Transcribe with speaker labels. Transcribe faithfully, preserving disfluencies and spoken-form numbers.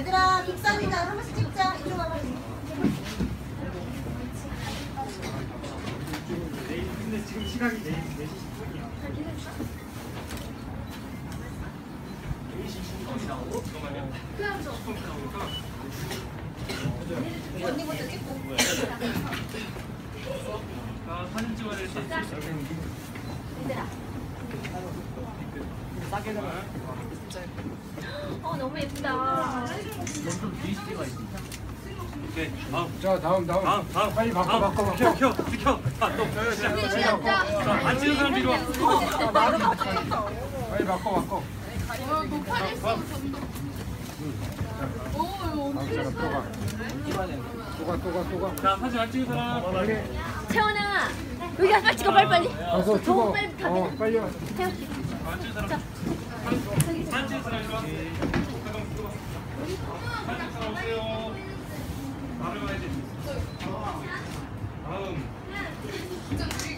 Speaker 1: 얘들아 빅산이다. 한 번씩 찍자. 이쪽 와봐.
Speaker 2: 근데 지금 시각이 네 시 십 분이야. 네 시 십 분이 나오고 잠깐만요. 십 분 나오니까
Speaker 1: 언니부터 찍고.
Speaker 2: 아, 사진 찍어야 될 때.
Speaker 1: 얘들아.
Speaker 2: 싸게 나와.
Speaker 3: 어 너무 예쁘다.
Speaker 2: 좀 뒤에 찍어야 돼. 오케이. 다음.
Speaker 4: 자 다음 다음
Speaker 2: 다음, 다음.
Speaker 4: 빨리 바꿔
Speaker 2: 다음.
Speaker 4: 바꿔 바꿔
Speaker 2: 켜, 켜, 비켜. 아, 또. 시작. 자, 안 찍은 사람 뒤로 와.
Speaker 4: 빨리 바꿔 바꿔
Speaker 5: 뭐 팔렸어 점점. 오
Speaker 4: 다음 사람 또가 또가 또가 또가
Speaker 2: 자, 사진 안 찍은 사람.
Speaker 3: 채원아 여기 가서 빨리 찍어 빨리 빨리.
Speaker 4: 가서
Speaker 3: 너무
Speaker 4: 찍어
Speaker 3: 빨리 가.
Speaker 4: 어 빨리 와
Speaker 3: 태웠지.
Speaker 2: 안 찍은 사람. 사진 찍은 사람 이리 와. 잠깐만 들어와. 사진 찍은 사람 오세요. 바로 가야지. 다음.
Speaker 5: 진짜